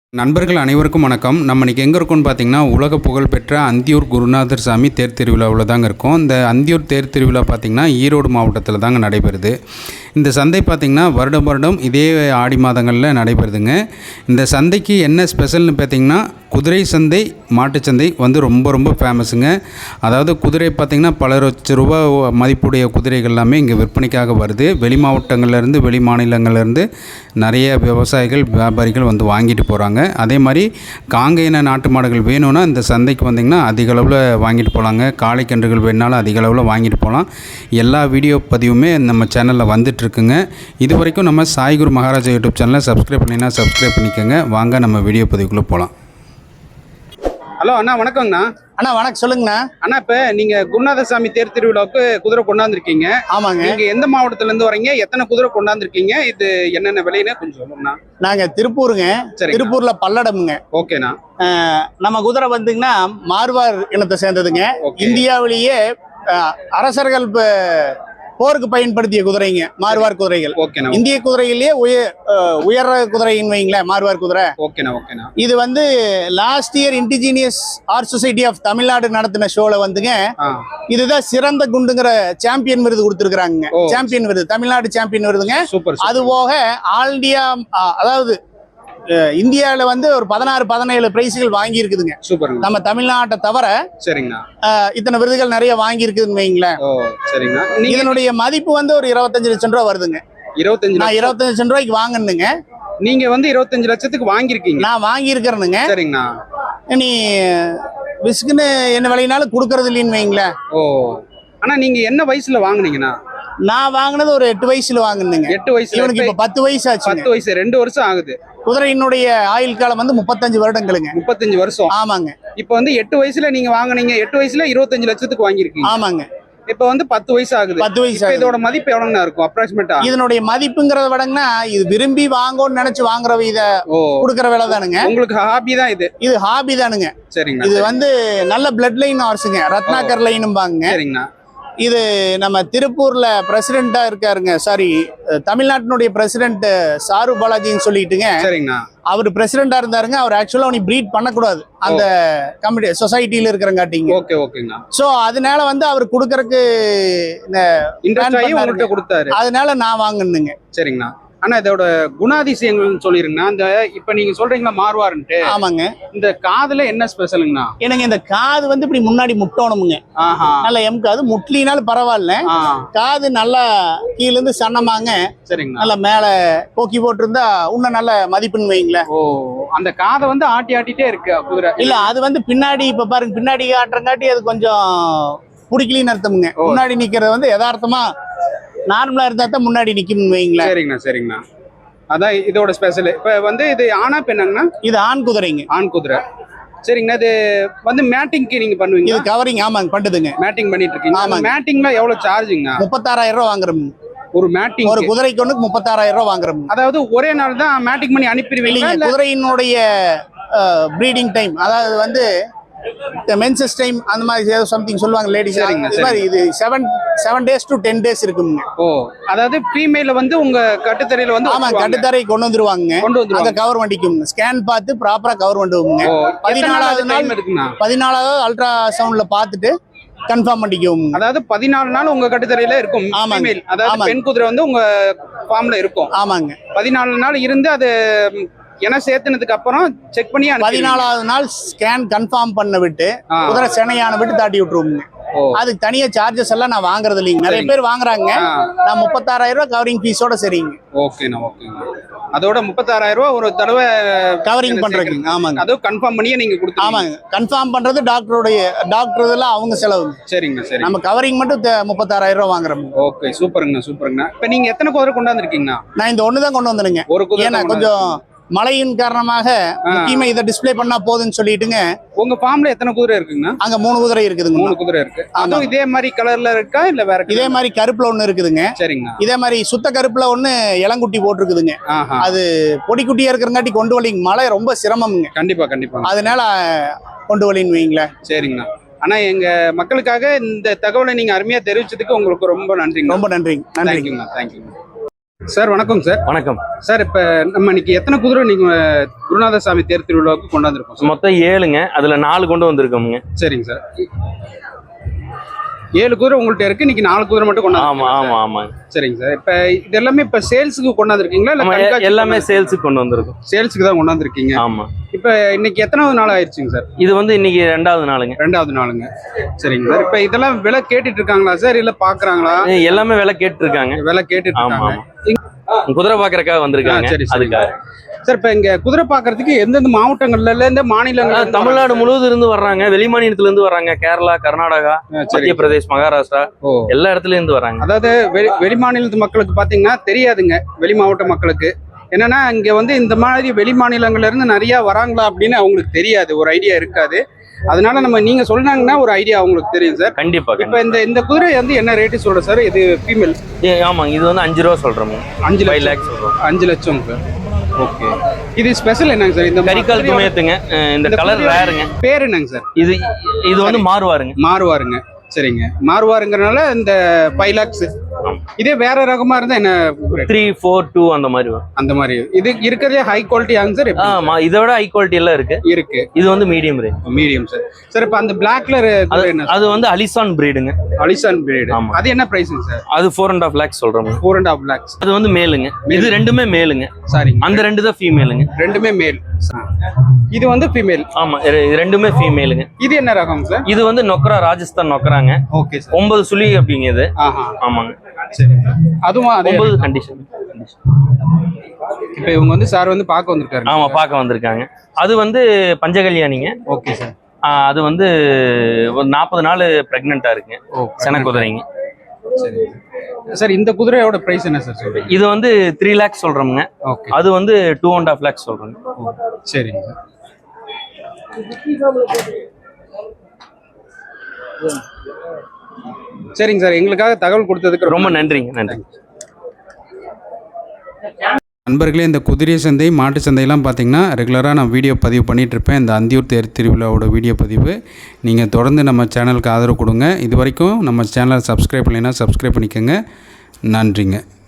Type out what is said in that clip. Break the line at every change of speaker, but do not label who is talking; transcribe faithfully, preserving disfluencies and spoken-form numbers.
நண்பர்கள் அனைவருக்கும் வணக்கம். நம்ம இன்றைக்கி எங்கே இருக்கோம்னு பார்த்திங்கன்னா, உலக புகழ்பெற்ற அந்தியூர் குருநாதர் சாமி தேர் திருவிழாவில் தாங்க இருக்கோம். இந்த அந்தியூர் தேர் திருவிழா பார்த்திங்கன்னா ஈரோடு மாவட்டத்தில் தாங்க நடைபெறுது. இந்த சந்தை பார்த்திங்கன்னா வருடம் வருடம் இதே ஆடி மாதங்களில் நடைபெறுதுங்க. இந்த சந்தைக்கு என்ன ஸ்பெஷல்னு பார்த்திங்கன்னா, குதிரை சந்தை, மாட்டுச்சந்தை வந்து ரொம்ப ரொம்ப ஃபேமஸுங்க. அதாவது குதிரை பார்த்திங்கன்னா பல லட்ச ரூபா மதிப்புடைய குதிரைகள் எல்லாமே இங்கே விற்பனைக்காக வருது. வெளி மாவட்டங்கள்லேருந்து வெளி மாநிலங்கள்லேருந்து நிறைய விவசாயிகள் வியாபாரிகள் வந்து வாங்கிட்டு போகிறாங்க. அதே மாதிரி காங்கேயன நாட்டு மாடுகள் வேணும்னா இந்த சந்தைக்கு வந்திங்கன்னா அதிக அளவில் வாங்கிட்டு போகலாங்க. காளை கன்றுகள் வேணுனாலும் அதிக அளவில் வாங்கிட்டு போகலாம். எல்லா வீடியோ பதிவுமே நம்ம சேனலில் வந்துட்டுருக்குங்க. இது வரைக்கும் நம்ம சாய்குரு மகாராஜா யூடியூப் சேனலை சப்ஸ்கிரைப் பண்ணிங்கன்னா சப்ஸ்கிரைப் பண்ணிக்கோங்க. வாங்க நம்ம வீடியோ பதிவுக்குள்ளே போகலாம். ஹலோ அண்ணா, வணக்கங்கண்ணா.
அண்ணா வணக்கம், சொல்லுங்கண்ணா.
அண்ணா, இப்போ நீங்கள் குருநாதசாமி தேர் திருவிழாவுக்கு குதிரை கொண்டாந்துருக்கீங்க.
ஆமாங்க.
நீங்கள் எந்த மாவட்டத்துலேருந்து வரீங்க? எத்தனை குதிரை கொண்டாந்துருக்கீங்க? இது என்னென்ன விலைன்னு கொஞ்சம் சொல்லுங்கண்ணா.
நாங்கள் திருப்பூருங்க. சரி, திருப்பூர்ல பல்லடமுங்க.
ஓகேண்ணா.
நம்ம குதிரை வந்துங்கன்னா மார்வார் இனத்தை சேர்ந்ததுங்க. இந்தியாவிலேயே அரசர்கள் போருக்கு பயன்படுத்திய குதிரைங்க மார்வார் குதிரைகள். இந்திய குதிரையிலேயே உயர் உயர் குதிரைன்னு வைங்களேன் மார்வார் குதிரை. இது வந்து last year indigenous art society of Tamil Nadu நடத்தின ஷோல வந்துங்க, இதுதான் சிறந்த குண்டுங்கிற சாம்பியன் விருது கொடுத்துருக்காங்க. சாம்பியன் விருது, தமிழ்நாடு சாம்பியன் விருதுங்க. அது போக ஆல் இந்தியா, அதாவது இந்தியாவில வந்து ஒரு பதினாறு பதினேழு பிரைஸ்கள் வாங்கி இருக்குதுங்க. சூப்பர். நம்ம தமிழ்நாட்டை தவிர சரிங்கண்ணா இத்தனை விருதுகள் நிறைய வாங்கி இருக்குதுன்னு வைங்களேன். இதனுடைய மதிப்பு வந்து ஒரு இருபத்தஞ்சு லட்சம் ரூபாய் வருதுங்க. இருபத்தஞ்சு நான் இருபத்தஞ்சு லட்சம் ரூபாய்க்கு வாங்கணுங்க.
நீங்க வந்து இருபத்தஞ்சு லட்சத்துக்கு வாங்கிருக்கீங்க?
நான் வாங்கி இருக்கிறேனுங்க.
சரிங்கண்ணா.
நீ விஸ்குன்னு என்ன விலைனாலும் கொடுக்கறது இல்லைன்னு வைங்களேன்.
ஓ, ஆனா நீங்க என்ன வயசுல வாங்குனீங்கண்ணா?
நான் வாங்கினது ஒரு எட்டு வயசுல வாங்கினேங்க.
எட்டு வயசுல?
இவனுக்கு இப்ப பத்து வயசு ஆச்சு.
பத்து வயசு, ரெண்டு வருஷம் ஆகுது.
குதிரையினுடைய ஆயுள் காலம் வந்து முப்பத்தஞ்சு வருடங்களுங்க.
முப்பத்தஞ்சு வருஷம்.
ஆமாங்க.
இப்ப வந்து எட்டு வயசுல நீங்க வாங்குனீங்க. எட்டு வயசுல இருபத்தஞ்சு லட்சத்துக்கு வாங்கிருக்கீங்க.
ஆமாங்க.
இப்ப வந்து பத்து வயசு ஆகுது.
பத்து வயசு.
இதோட மதிப்பு எவ்வளவுனா இருக்கும் அப்ராக்சிமேட்டா?
இதனுடைய மதிப்புங்கிறத விடங்கன்னா, இது விரும்பி வாங்கணும்னு நினைச்சு வாங்குற இத கொடுக்கற வேலை தானுங்க.
உங்களுக்கு ஹாபி தான் இது? இது
ஹாபி தானுங்க.
சரிங்க.
இது வந்து நல்ல பிளட் லைன் ஹார்ஸுங்க, ரத்னாகர் லைனும்பாங்க.
சரிங்கண்ணா.
இது நம்ம திருப்பூர்ல பிரசிடென்டா இருக்காருங்க, சாரி தமிழ்நாட்டினுடைய பிரசிடென்ட் சாரு பாலாஜின்னு சொல்லிட்டுங்க.
சரிங்கண்ணா.
அவர் பிரசிடென்டா இருந்தாருங்க. அவர் ஆக்சுவலா அவனை பிரீட் பண்ணக்கூடாது அந்த கமிட்டி சொசைட்டில இருக்கிறங்காட்டிங்க.
ஓகே ஓகேங்கண்ணா.
சோ அதனால வந்து அவர் கொடுக்கறதுக்கு
கொடுத்தாரு.
அதனால நான் வாங்கணுங்க.
சரிங்கண்ணா. ஆனா இதோட குணாதிசயங்கள்னு சொல்லிருங்கண்ணா. இந்த இப்ப நீங்க சொல்றீங்களா மார்வார்ன்ட்டு?
ஆமாங்க.
இந்த காதுல என்ன ஸ்பெஷலுங்கண்ணா?
எனக்கு இந்த காது வந்து இப்படி முன்னாடி முட்டணுமுங்க. நல்ல எம் காது முட்லினாலும் பரவாயில்ல, காது நல்லா கீழ இருந்து சன்னமாங்க. சரிங்க. நல்லா மேல போக்கி போட்டிருந்தா இன்னும் நல்ல மதிப்புன்னு வைங்களேன்.
ஓ, அந்த காதை வந்து ஆட்டி ஆட்டிட்டே இருக்கு குதிரை?
இல்ல, அது வந்து பின்னாடி இப்ப பாருங்க, பின்னாடி ஆட்டுறங்காட்டி அது கொஞ்சம் பிடிக்கலின்னு அர்த்தமுங்க. முன்னாடி நிக்கிறது வந்து யதார்த்தமா நார்மலா இருந்தா தான் முன்னாடி நிக்கும் வைங்களா.
சரிங்கண்ணா. சரிங்கண்ணா. அதான் இதோட ஸ்பெஷல். இப்ப வந்து இது ஆனா பெண்ணாங்கண்ணா?
இது ஆண் குதிரைங்க.
ஆண் குதிரை. சரிங்கண்ணா. இது வந்து மேட்டிங்க்கு நீங்க பண்ணுவீங்க?
இது கவரிங். ஆமாங்க, பண்ணுதுங்க.
மேட்டிங் பண்ணிட்டு இருக்கீங்க? ஆமாங்க. மேட்டிங்ல எவ்வளவு சார்ஜுங்க?
முப்பத்தாறாயிரம் ரூபாய் வாங்குறோம்
ஒரு மேட்டிங்.
ஒரு குதிரைக்கு ஒண்ணுக்கு முப்பத்தாறாயிரம் ரூபாய் வாங்குறோம்.
அதாவது ஒரே நாள் தான் மேட்டிங் பண்ணி அனுப்பிடுவீங்க?
குதிரையினுடைய ப்ரீடிங் டைம், அதாவது வந்து மென்சஸ் டைம் அந்த மாதிரி ஏதோ சம்திங் சொல்லுவாங்க லேடிஸ். இது seven seven days to ten days இருக்குங்க.
ஓ, அதாவது ஃபீமேல வந்து உங்க கட்டுத்தரையில வந்து?
ஆமா, கட்டுத்தரை கொண்டு வந்துருவாங்க. கொண்டு வந்துருவாங்க. கவர் வண்டிக்கும் ஸ்கேன் பார்த்து ப்ராப்பரா கவர் பண்ணுவோங்க. பதினாலாவது நாள் இருக்குங்க. பதினாலாவது அல்ட்ரா சவுண்ட்ல பார்த்துட்டு கன்ஃபார்ம் பண்ணிக்குவோம்.
அதாவது பதினாலு நாள் உங்க கட்டுத்தரையில இருக்கும். ஆமாங்க. அதாவது பெண் குதிரை வந்து உங்க ஃபார்ம்ல இருக்கும்.
ஆமாங்க. பதினாலு
நாள் இருந்து அது ஏன்னா சேர்த்துனதுக்கு அப்புறம் செக் பண்ணி
பதினாலாவது நாள் ஸ்கேன் கன்ஃபார்ம் பண்ண விட்டு குதிரை செனையான விட்டு தாட்டி விட்டுருவோங்க. அதுக்கு தனியா சார்ஜஸ் எல்லாம் நான் வாங்குறது இல்லைங்க. நிறைய பேர் வாங்குறாங்க. நான் முப்பத்தாறாயிரம் ரூபாய் கவரிங் ஃபீஸோட சரிங்க.
ஓகேண்ணா. ஓகேங்க. அதோட முப்பத்தாறாயிரம் ரூபாய் ஒரு தடவை
கவரிங் பண்றீங்க. ஆமாங்க.
அதுவும் கன்ஃபார்ம் பண்ணியே நீங்க கொடுத்து?
ஆமாங்க. கன்ஃபார்ம் பண்றது டாக்டருடைய டாக்டர் இதெல்லாம் அவங்க செலவு.
சரிங்க. சரி.
நம்ம கவரிங் மட்டும் முப்பத்தாறாயிரம் ரூபாய் வாங்குறோம்.
ஓகே, சூப்பருங்கண்ணா. சூப்பருங்கண்ணா. இப்ப நீங்க எத்தனை குதிரை கொண்டாந்துருக்கீங்கண்ணா?
நான் இந்த ஒண்ணுதான் கொண்டு வந்துருங்க. ஒரு குதிரை கொஞ்சம் மழையின் காரணமாக முக்கியமா இதை டிஸ்பிளே பண்ணா போதுன்னு சொல்லிட்டுங்க.
உங்க ஃபார்ம்ல எத்தனை குதிரை இருக்குங்க?
அங்க மூணு குதிரை இருக்குதுங்க.
மூணு குதிரை இருக்கு. அதுவும் இதே மாதிரி கலர்ல இருக்கா இல்ல வேற?
இதே மாதிரி கருப்புல ஒண்ணு இருக்குதுங்க.
சரிங்க.
இதே மாதிரி சுத்த கருப்புல ஒண்ணு இளங்குட்டி போட்டிருக்குதுங்க. அது பொடி குட்டியா இருக்கிறங்காட்டி கொண்டு வலிங்க. மழை ரொம்ப சிரமம்ங்க.
கண்டிப்பா கண்டிப்பா.
அதனால கொண்டு வலின்னு வைங்களேன்.
சரிங்கண்ணா. ஆனா எங்க மக்களுக்காக இந்த தகவலை நீங்க அருமையா தெரிவிச்சதுக்கு உங்களுக்கு ரொம்ப நன்றிங்க.
ரொம்ப நன்றிங்க.
நன்றிங்கண்ணா. தேங்க்யூ. சார் வணக்கம் சார்.
வணக்கம்
சார். இப்போ நம்ம இன்னைக்கு எத்தனை குதிரை நீங்கள் குருநாத சாமி தேர் திருவிழாவுக்கு கொண்டாந்துருக்கோம்?
மொத்தம் ஏழுங்க, அதுல நாலு கொண்டு வந்திருக்கோமுங்க.
சரிங்க சார். ஏழு குதிரை உங்கள்கிட்ட இருக்கு, இன்னைக்கு நாலு குதிரை மட்டும் கொண்டாந்து.
ஆமா ஆமா ஆமாங்க.
சரிங்க சார். இப்போ இது எல்லாமே இப்போ சேல்ஸுக்கு கொண்டாந்துருக்கீங்களா
இல்ல எல்லாமே சேல்ஸுக்கு கொண்டு வந்திருக்கோம்?
சேல்ஸுக்கு தான் கொண்டாந்துருக்கீங்க.
ஆமா.
இப்போ இன்னைக்கு எத்தனாவது நாள் ஆயிடுச்சுங்க சார்?
இது வந்து இன்னைக்கு ரெண்டாவது நாளுங்க.
ரெண்டாவது நாளுங்க. சரிங்க சார். இப்போ இதெல்லாம் விலை கேட்டுட்டு இருக்காங்களா சார், இல்ல பாக்குறாங்களா?
எல்லாமே விலை கேட்டு இருக்காங்க.
விலை கேட்டுட்டு இருக்காங்க.
குதிரை பாக்குறதுக்காக வந்திருக்காங்க. அதுக்காக
சார். இப்ப இங்க குதிரை பாக்குறதுக்கு எந்தெந்த மாவட்டங்கள்ல இருந்து மாநிலங்கள்?
தமிழ்நாடு முழுவதும் இருந்து வர்றாங்க, வெளி மாநிலத்துல இருந்து வர்றாங்க. கேரளா, கர்நாடகா, மத்திய பிரதேஷ், மகாராஷ்டிரா, எல்லா இடத்துல இருந்து வர்றாங்க.
அதாவது வெளி வெளி மாநிலத்து மக்களுக்கு பாத்தீங்கன்னா தெரியாதுங்க, வெளி மாவட்ட மக்களுக்கு என்னன்னா இங்க வந்து இந்த மாதிரி வெளி மாநிலங்கள்ல இருந்து நிறைய வராங்களா அப்படின்னு அவங்களுக்கு தெரியாது, ஒரு ஐடியா இருக்காது. அதனால நம்ம நீங்க சொன்னாங்கன்னா ஒரு ஐடியா அவங்களுக்கு தெரியும் சார்.
கண்டிப்பா.
இப்ப இந்த இந்த குதிரை வந்து என்ன ரேட்டு சொல்ற சார்? இது ஃபீமேல்.
ஆமாங்க, இது வந்து அஞ்சு ரூபா சொல்றோம். அஞ்சு லேக் சொல்றோம்.
அஞ்சு லட்சம் சார். ஓகே. இது ஸ்பெஷல் என்னங்க சார்? இந்த
கரிகால் துமையத்துங்க. இந்த கலர் ரேருங்க.
பேர் என்னங்க சார்?
இது இது வந்து மாறுவாருங்க.
மாறுவாருங்க. சரிங்க. மாறுவாருங்கிறனால இந்த ஃபைவ் லேக்ஸ். இதே வேற ரகமா இருந்தா என்ன?
த்ரீ ஃபோர் டூ அந்த மாதிரி வரும்.
அந்த மாதிரி இது இருக்கிறதே ஹை குவாலிட்டி ஆன்சர்.
ஆமா, இதோட ஹை குவாலிட்டி எல்லாம் இருக்கு.
இருக்கு.
இது வந்து medium range.
Medium sir. Sir இப்ப அந்த பிளாக்ல என்ன?
அது வந்து அலிசான் பிரீடுங்க.
அலிசான் பிரீடு. அது என்ன பிரைஸ்ங்க சார்?
அது ஃபோர் அண்ட் ஆஃப் லேக்ஸ் சொல்றோம்.
Four and half lakhs.
அது வந்து மேலுங்க. இது ரெண்டுமே மேலுங்க.
சாரி,
அந்த ரெண்டு தான் ஃபீமேலுங்க.
ரெண்டுமே மேல். இது வந்து ஃபீமேல்.
ஆமா, ரெண்டுமே ஃபீமேலுங்க.
இது என்ன ரகம் சார்?
இது வந்து நொக்கரா, ராஜஸ்தான் நொக்கராங்க.
Okay sir.
ஒன்பது சுழி அப்படிங்கிறது. ஆமாங்க.
சரி. அதுவும்
ஒன்பது கண்டிஷன்.
இப்போ இவங்க வந்து சார் வந்து பார்க்க வந்திருக்காரு.
ஆமா, பார்க்க வந்திருக்காங்க. அது வந்து பஞ்சகல்யாணிங்க.
Okay sir.
அது வந்து ஒரு நாற்பது நாள் பிரெக்னெண்டா இருக்குங்க. சென குதிரைங்க.
சரி சார். இந்த குதிரையோட பிரைஸ் என்ன சார் சொல்றீங்க?
இது வந்து த்ரீ லேக்ஸ் சொல்றோம்ங்க.
ஓகே.
அது வந்து டூ அண்ட் ஹாஃப் லேக்ஸ் சொல்றோங்க.
சரிங்க சார். சரிங்க சார். எங்களுக்காக தகவல் கொடுத்ததுக்கு
ரொம்ப நன்றிங்க. நன்றி.
நண்பர்களே, இந்த குதிரை சந்தை, மாட்டு சந்தையெல்லாம் பார்த்தீங்கன்னா ரெகுலராக நான் வீடியோ பதிவு பண்ணிகிட்ருப்பேன். இந்த அந்தியூர் தேர் திருவிழாவோட வீடியோ பதிவு நீங்கள் தொடர்ந்து நம்ம சேனலுக்கு ஆதரவு கொடுங்க. இது வரைக்கும் நம்ம சேனலை சப்ஸ்கிரைப் பண்ணலைன்னா சப்ஸ்கிரைப் பண்ணிக்கோங்க. நன்றிங்க.